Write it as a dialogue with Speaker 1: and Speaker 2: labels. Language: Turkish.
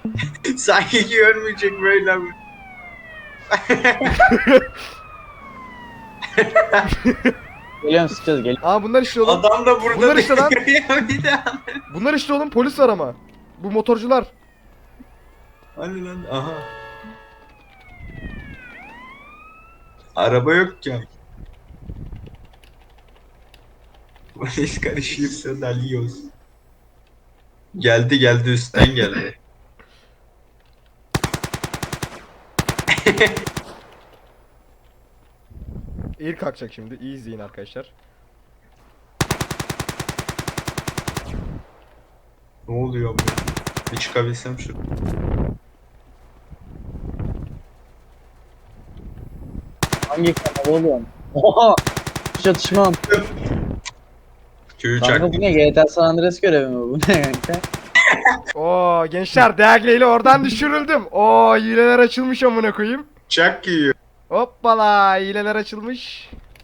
Speaker 1: Sanki görmeyecek böyle mi?
Speaker 2: Geliyorum sıkacağız geliyorum.
Speaker 3: Aa bunlar işte oğlum.
Speaker 1: Adam da burada
Speaker 3: Bunlar işte lan.
Speaker 1: ya bir daha.
Speaker 3: Bunlar işte oğlum, polis var ama. Bu motorcular.
Speaker 1: Hani lan aha. Araba yok ki. Polis karışırsa dalıyoruz. Geldi geldi üstten geldi.
Speaker 3: Air kalkacak şimdi. İyi izleyin arkadaşlar.
Speaker 1: Ne oluyor bu? Bir çıkabilsem şu.
Speaker 2: Hangi kanal oğlum? Oha! Çatışmam.
Speaker 1: Köyü
Speaker 2: Kanka
Speaker 1: çaktı.
Speaker 2: bu ne? GTA San Andreas görevi mi bu? Ne kanka?
Speaker 3: Oo gençler, değerliyle oradan düşürüldüm. Oo hileler açılmış amına koyayım.
Speaker 1: Çak yiyor.
Speaker 3: Hoppala, hileler açılmış.